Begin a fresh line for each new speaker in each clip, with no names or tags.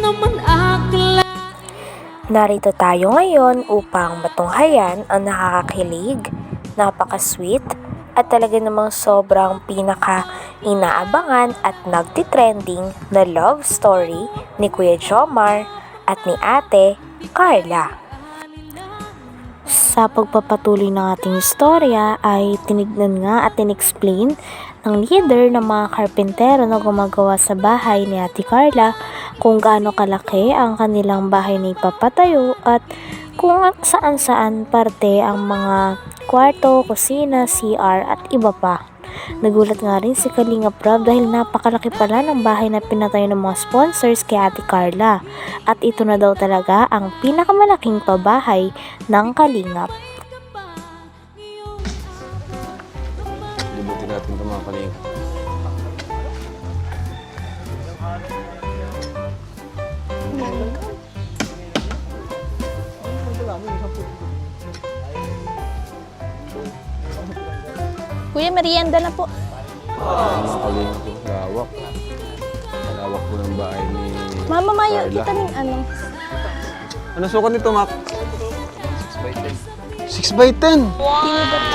Narito tayo ngayon upang matunghayan ang nakakakilig, napaka-sweet, at talaga namang sobrang pinaka-inaabangan at nagtitrending na love story ni Kuya Jomar at ni Ate Carla. Sa pagpapatuloy ng ating istorya ay tinignan nga at in-explain ng leader ng mga karpentero na gumagawa sa bahay ni Ate Carla kung gaano kalaki ang kanilang bahay na ipapatayo at kung saan-saan parte ang mga kwarto, kusina, CR at iba pa. Nagulat nga rin si Kalingap Rob dahil napakalaki pala ng bahay na pinatayo ng mga sponsors kay Ate Carla at ito na daw talaga ang pinakamalaking pabahay ng Kalingap.
Libutin natin ito mga Kalingap.
Kuya, merienda na po.
Mga Kalingap po, lawak. Lawak po ng bahay ni
Mama, mayo,
Carla.
kita ng ano.
Ano sukat nito, Mac? 6 by 10.
Tinidor.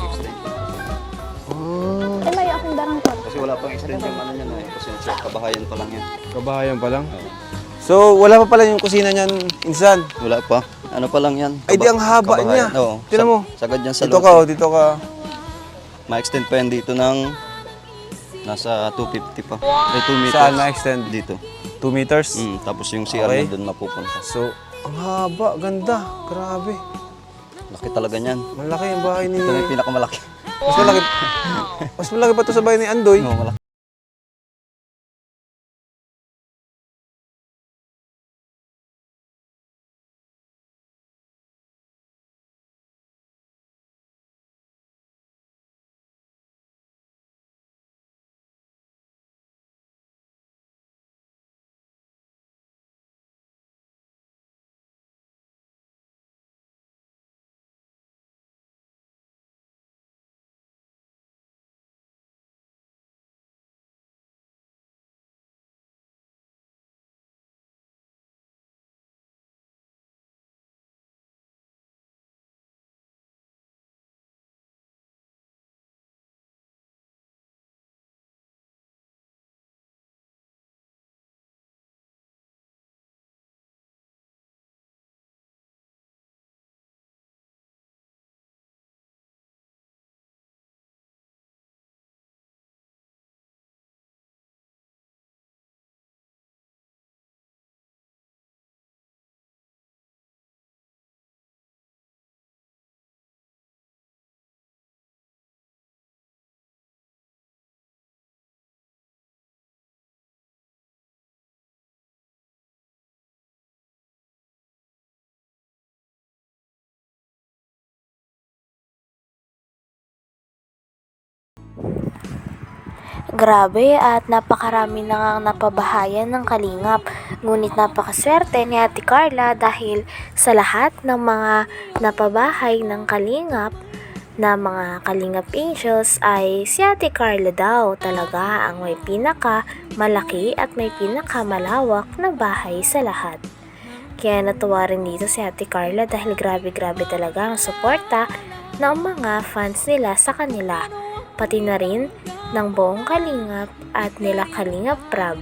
Oh,
Ay, mayo akong darang ko.
Kasi wala pang extend yung ano niyan eh. Kasi kabahayan pa lang yan.
kabahayan pa lang. So, wala pa pala yung kusina niyan, insan.
Wala pa. Ano pa lang yan.
Ay, di ang haba niya.
Oo.
Tingnan mo.
Sagad yan sa
Dito
loob.
ka, oh, dito ka.
Ma-extend pa yan dito ng nasa 250 pa. Ay, 2 meters.
Saan na-extend?
Dito.
2 meters.
Tapos yung CR
Okay.
na doon mapupunta.
So, ang haba, ganda. Grabe.
Laki talaga niyan.
Malaki yung bahay ni...
Ito na yung pinakamalaki.
Mas malaki. Mas malaki pa to sa bahay ni Andoy.
Oo, malaki.
Grabe at napakarami na ngang napabahayan ng Kalingap. Ngunit napakaswerte ni Ate Carla dahil sa lahat ng mga napabahay ng Kalingap na mga Kalingap Angels ay si Ate Carla daw talaga ang may pinaka malaki at may pinaka malawak na bahay sa lahat. Kaya natuwa rin dito si Ate Carla dahil grabe-grabe talaga ang suporta ng mga fans nila sa kanila, pati na rin ng buong Kalingap at nila Kalingap Rob.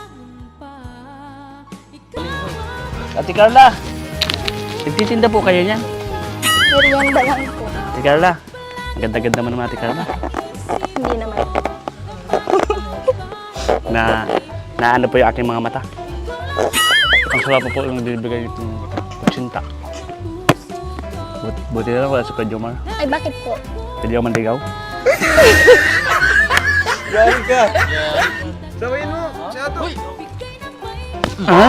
Ate Carla, nagtitinda po kayo niyan?
Merienda lang po.
Ate Carla, ganda-ganda mo naman Ate Carla.
Hindi naman.
Na ano po yung aking mga mata. Ang sarap po yung bibigay itong kutsinta. Buti na lang wala si Kuya Jomar.
Ay, bakit po?
Pwede ako mandigaw.
Galing ka. Sabayin mo. Si Ato.
Ha?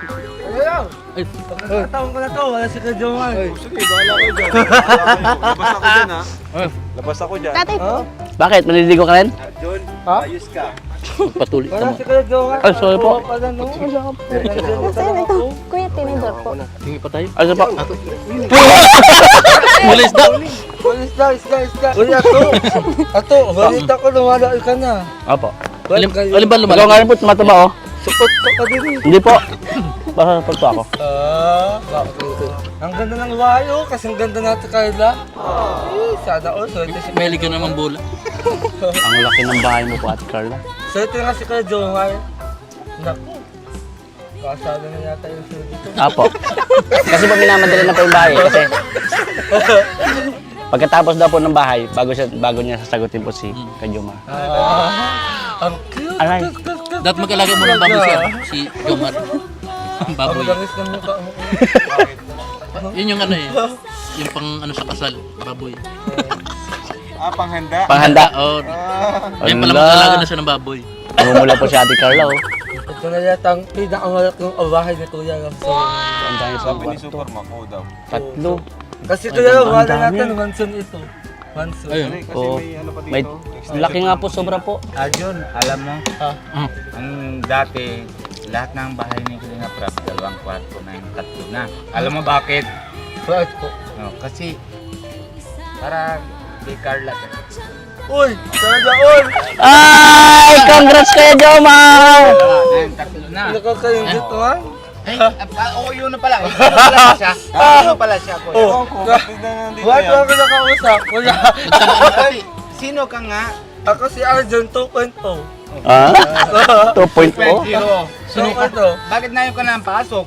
Taon ko na to, wala si Kuya Jomar.
Sige, bahala ko dyan. Labas ako dyan, ha? Labas ako dyan.
Tatay po.
Bakit? Maniligo ka rin?
John, ayos ka.
Patuloy ka
Wala
mo.
si Kuya Jomar.
Ay, sorry po.
Wala no.
Saan ito? Kuya, tinidor po.
Hingi pa tayo? Ano pa? Mulis na!
Isda. Uy, Ato, balita ko lumalaol ka na.
Opo.
Alin
Alin ba lumalaw? Ikaw nga rin po, tumataba oh.
Support ka din eh.
Hindi po. Basta support po ako.
Bakit ito? Ang ganda ng bahay oh, kasing ganda natin Carla. Sana all, swerte si
Meli ka naman bola.
Ang laki ng bahay mo po, Ate Carla.
Swerte nga si Kuya Jomar. Naku. Kasada na yata yung swerte ko.
Apo. Kasi po minamadali na po yung bahay. Kasi pagkatapos daw po ng bahay, bago niya sasagutin po si Kajuma.
Ang cute.
Aray.
Dapat mag-alaga mo ng baboy si Jomar. Ang
Ang
baboy.
langis ng mukha mo.
Yun yung ano eh. Yung pang ano sa kasal, baboy.
Panghanda.
Oo. Yan pala
Ala.
mag-alaga na siya ng baboy.
Namumula po si Ate Carla, oh.
Ito na yata ang pinakamalak ng bahay ni Kuya Ram. So,
Ang dami sa kwarto. Tatlo.
kasi Kuya Ram,
ang
wala
dami.
natin mansion ito. Mansion.
Ayun.
Oh. May laki nga po, sobra po.
Arjun, alam mo,
Ah.
ang dati, lahat ng bahay ni Kalinga Prab, 2 kwarto na yung 3 na. Alam mo bakit?
Bakit po?
No, kasi, para kay Carla.
Uy! Talaga all!
Ay! Congrats kay Jomar!
Yung 3 na.
Nakakayong dito ha?
Ay, oo, yun na pala. Yun na pala siya. Yun na pala siya, kuya.
Oh! Bakit mo ako nakausap? Kuya!
Sino ka nga?
Ako si Arjun 2.0.
Ah? 2.0?
2.0.
Sino ka to?
Bakit na yung ka na pasok?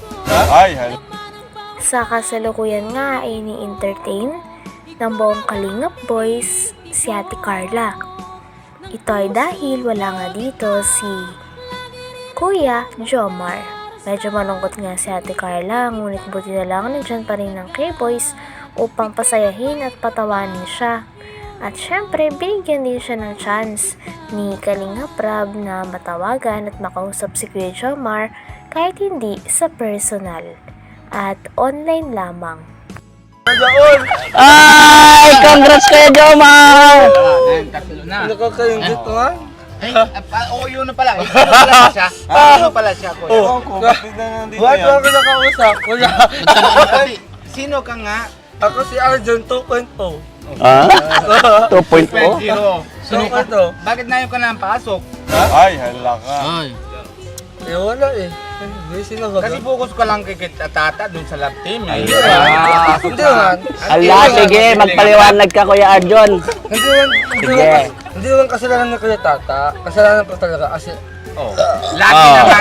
Sa kasalukuyan nga ay ni-entertain ng buong Kalingap Boys si Ate Carla. Ito ay dahil wala nga dito si Kuya Jomar. Medyo malungkot nga si Ate Carla, ngunit buti na lang nandyan pa rin ng K-Boys upang pasayahin at patawanin siya. At syempre, binigyan din siya ng chance ni Kalingap Rab na matawagan at makausap si Kuya Jomar kahit hindi sa personal at online lamang.
Talaga all!
Ay! Congrats kay Jomar!
Yung 3 na.
Nakakayong dito ha?
Ay, oo, yun na pala. Yun na pala siya. Yun na pala siya, kuya.
Oh! Bakit mo ako nakausap? Kuya!
Sino ka nga?
Ako si Arjun 2.0.
Ah? 2.0?
2.0.
Sino ka to?
Bakit na yung ka na pasok?
Ay.
Eh wala eh. Busy na ba?
Kasi focus ka lang kay Tata dun sa lab team.
Hindi naman. Hindi naman.
Ala, sige, magpaliwanag ka, Kuya Arjon.
Hindi naman kasalanan ng Kuya Tata. Kasalanan ko talaga kasi
Oh. Lagi naman.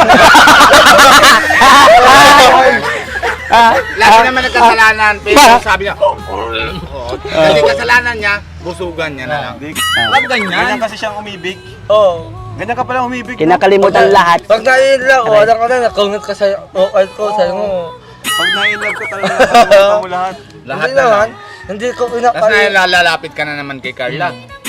Lagi naman nagkasalanan. Pero sabi niya, kasi kasalanan niya, busugan niya na lang. Wag ganyan.
kasi siyang umibig.
oh.
Ganyan ka pala umibig.
Kinakalimutan lahat.
Pag naiinlove, wala ka na, nakungat ka sa OL ko, sa'yo mo.
Pag na-inlove ka talaga, nakalimutan mo lahat.
Lahat
Hindi
na
naman.
lang.
Hindi ko
Tapos
pinapalip.
nalalapit ka na naman kay Carla.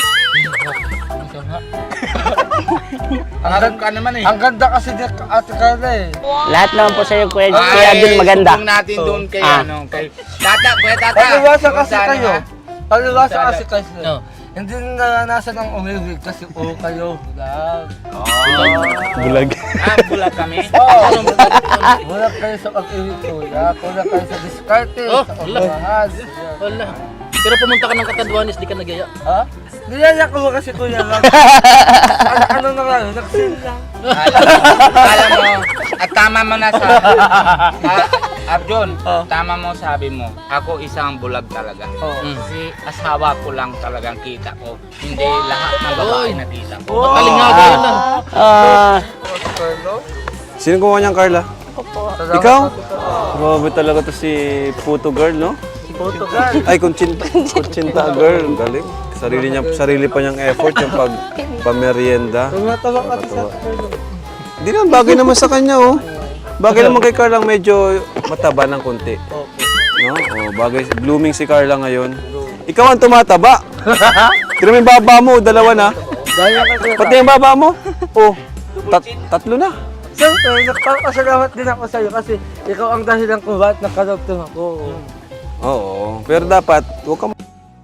Harap ka naman eh.
Ang ganda kasi ni Ate Carla eh.
Lahat naman po sa'yo, Kuya
Ay,
Arjon, maganda.
sumbong natin doon kay
Ah.
ano, kay Tata, Kuya Tata.
Palibasa kasi
Sana,
kayo.
ha?
Palibasa kasi kayo.
No.
Hindi naranasan ng umibig kasi kayo. Bulag.
Bulag.
Ah, bulag kami.
Bulag kayo sa pag-ibig kuya. Bulag kayo sa diskarte,
Oh,
sa
wala.
pagmamahal.
Wala. Pero pumunta ka ng Catanduanes, di ka nagaya.
Ha? Niyaya ko ba kasi kuya lang? ano na nga, naksin lang.
Alam mo, at tama mo na sa... Arjun, tama mo sabi mo, ako isang bulag talaga.
Oh.
Kasi asawa ko lang talagang kita ko. Hindi lahat ng babae na kita ko.
Kalingaga yun lang.
Ah,
Carlo?
Sino gumawa niyan, Carla?
Salamat
Ikaw?
po, tito.
Grabe talaga to si Puto Girl, no?
Portugal.
Ay, Kunchinta Girl. Galing. Sarili pa niyang effort yung pamerienda.
Tumatawa ka sa Carlo.
Hindi naman, bagay naman sa kanya, oh. Bagay naman kay Carla, medyo mataba ng konti. No? Oh, bagay, blooming si Carla ngayon. Ikaw ang tumataba. Tira mo yung baba mo, 2 na.
Dahil ka kuya.
Pati yung baba mo, oh, 3 na.
Siyempre, nagpapasalamat din ako sa'yo kasi ikaw ang dahilan kung bakit nakalagtong ako.
Oo, pero dapat, huwag ka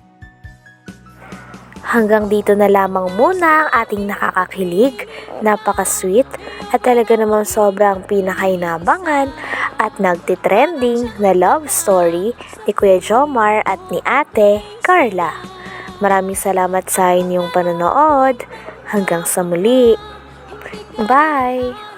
Hanggang dito na lamang muna ang ating nakakakilig, napaka-sweet at talaga namang sobrang pinakainabangan at nagtitrending na love story ni Kuya Jomar at ni Ate Carla. Maraming salamat sa inyong panonood. Hanggang sa muli. Bye!